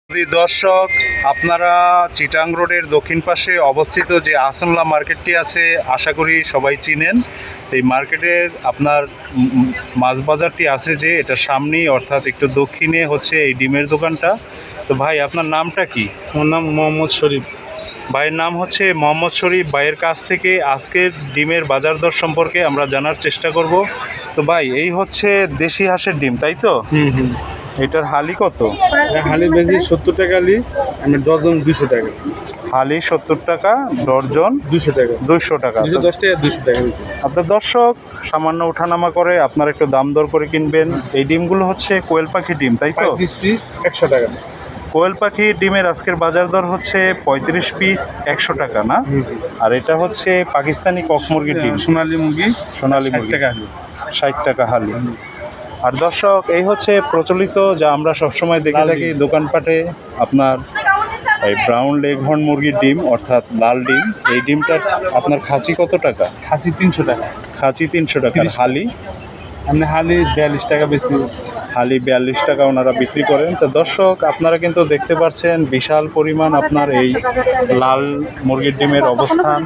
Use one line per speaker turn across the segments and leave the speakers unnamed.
দর্শক, আপনারা চিটাং রোডের দক্ষিণ পাশে অবস্থিত যে আহসানুল্লাহ মার্কেটটি আছে, আশা করি সবাই চিনেন। এই মার্কেটের আপনার মাছ বাজারটি আছে যে এটা সামনেই, অর্থাৎ একটু দক্ষিণে হচ্ছে এই ডিমের দোকানটা। তো ভাই, আপনার নামটা কি?
আমার নাম মোহাম্মদ শরীফ।
ভাইয়ের নাম হচ্ছে মোহাম্মদ শরীফ। ভাইয়ের কাছ থেকে আজকের ডিমের বাজার দর সম্পর্কে আমরা জানার চেষ্টা করব। তো ভাই, এই হচ্ছে দেশি হাঁসের ডিম, তাই তো? এটার হালি কত?
হালি বেশি 70 টাকা হালি, আমি ডজন 200 টাকা।
হালি 70 টাকা, ডর্জন
200 টাকা,
200 টাকা।
210 টাকা, 200 টাকা।
আপনার দর্শক সামান্য ওঠানামা করে আপনার একটু দাম দর করে কিনবেন। এই ডিমগুলো হচ্ছে কোয়েল পাখি ডিম, তাই তো?
35 পিস 100 টাকা।
কোয়েল পাখি ডিমের আজকের বাজার দর হচ্ছে 35 পিস 100 টাকা, না? আর এটা হচ্ছে পাকিস্তানি কক মুরগির ডিম,
সোনালী মুরগি,
সোনালী
60
মুরগি,
টাকা হালি।
60 টাকা হালি। আর দর্শক, এই হচ্ছে প্রচলিত যা আমরা সবসময় দেখে থাকি দোকানপাটে, আপনার এই ব্রাউন লেগ হর্ন মুরগির ডিম, অর্থাৎ লাল ডিম। এই ডিমটার আপনার খাঁচি কত টাকা?
খাসি 300 টাকা,
খাঁচি 300 টাকা। হালি?
আপনি হালি 42 টাকা বেশি।
হালি 42 টাকা ওনারা বিক্রি করেন। তো দর্শক, আপনারা কিন্তু দেখতে পাচ্ছেন বিশাল পরিমাণ আপনার এই লাল মুরগির ডিমের অবস্থান।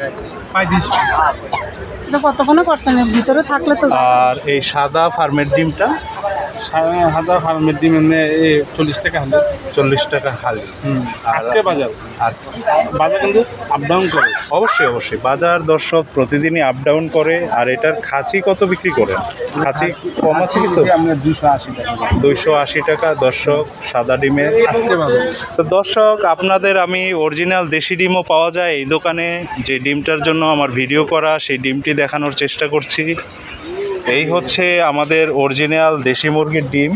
35
কতক্ষণ করছেন ভিতরে থাকলে তো।
আর এই সাদা ফার্মের ডিমটা?
হাজার ফার্মের ডিম এমনি 40 টাকা হালি।
40 টাকা হালি।
আজকে বাজার,
আর
বাজার কিন্তু আপ ডাউন করে।
অবশ্যই অবশ্যই বাজার দর্শক প্রতিদিনই আপ ডাউন করে। আর এটার খাঁচি কত বিক্রি করেন? খাঁচি কম আছে কিছু?
আপনার 280 টাকা।
280 টাকা দর্শক সাদা ডিমের।
আজকে বাজার।
তো দর্শক, আপনাদের আমি অরিজিনাল দেশি ডিমও পাওয়া যায় এই দোকানে। যে ডিমটার জন্য আমার ভিডিও করা, সেই ডিমটি দেখানোর চেষ্টা করছি। এই হচ্ছে আমাদের অরিজিনাল দেশি মুরগির ডিম,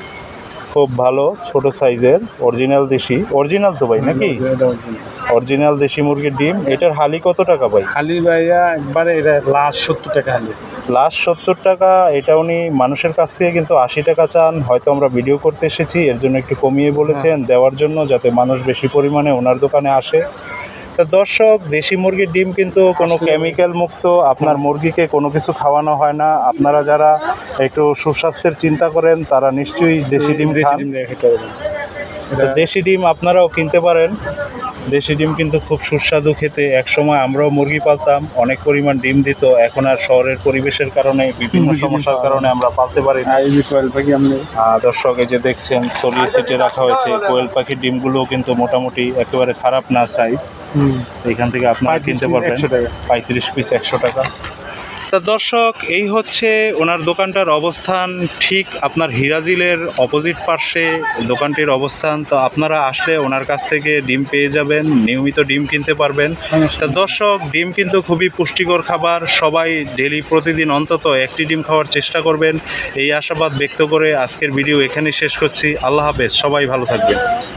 খুব ভালো ছোট সাইজের অরিজিনাল দেশি। অরিজিনাল তো ভাই, নাকি? অরিজিনাল দেশি মুরগির ডিম। এটার হালি কত টাকা ভাই?
হালি ভাইয়া একবারে এটা লাস্ট 70 টাকা হালি।
লাস্ট 70 টাকা। এটা উনি মানুষের কাছ থেকে কিন্তু 80 টাকা চান। হয়তো আমরা ভিডিও করতে এসেছি, এর জন্য একটু কমিয়ে বলেছেন দেওয়ার জন্য, যাতে মানুষ বেশি পরিমাণে ওনার দোকানে আসে। তো দর্শক, দেশি মুরগির ডিম কিন্তু কোনো কেমিক্যাল মুক্ত, আপনার মুরগিকে কোনো কিছু খাওয়ানো হয় না। আপনারা যারা একটু সুস্বাস্থ্যের চিন্তা করেন তারা নিশ্চয়ই দেশি ডিম খান। তো দেশি ডিম আপনারাও কিনতে পারেন। দেশি ডিম কিন্তু খুব সুস্বাদু খেতে। একসময় আমরাও মুরগি পালতাম, অনেক পরিমাণ ডিম দিত। এখন আর শহরের পরিবেশের কারণে, বিভিন্ন সমস্যার কারণে আমরা পালতে পারি না।
কোয়েল পাখি আপনি
দর্শক, এই যে দেখছেন ছড়িয়ে ছিটে রাখা হয়েছে কোয়েল পাখির ডিমগুলোও কিন্তু মোটামুটি একেবারে খারাপ না সাইজ। এখান থেকে আপনারা কিনতে পারবেন 35 পিস 100 টাকা। তা দর্শক, এই হচ্ছে ওনার দোকানটার অবস্থান। ঠিক আপনার হিরাজিলের অপোজিট পার্শ্বে দোকানটির অবস্থান। তো আপনারা আসলে ওনার কাছ থেকে ডিম পেয়ে যাবেন, নিয়মিত ডিম কিনতে পারবেন। তা দর্শক, ডিম কিন্তু খুবই পুষ্টিকর খাবার। সবাই ডেলি প্রতিদিন অন্তত একটি ডিম খাওয়ার চেষ্টা করবেন, এই আশাবাদ ব্যক্ত করে আজকের ভিডিও এখানেই শেষ করছি। আল্লাহ হাফেজ, সবাই ভালো থাকবেন।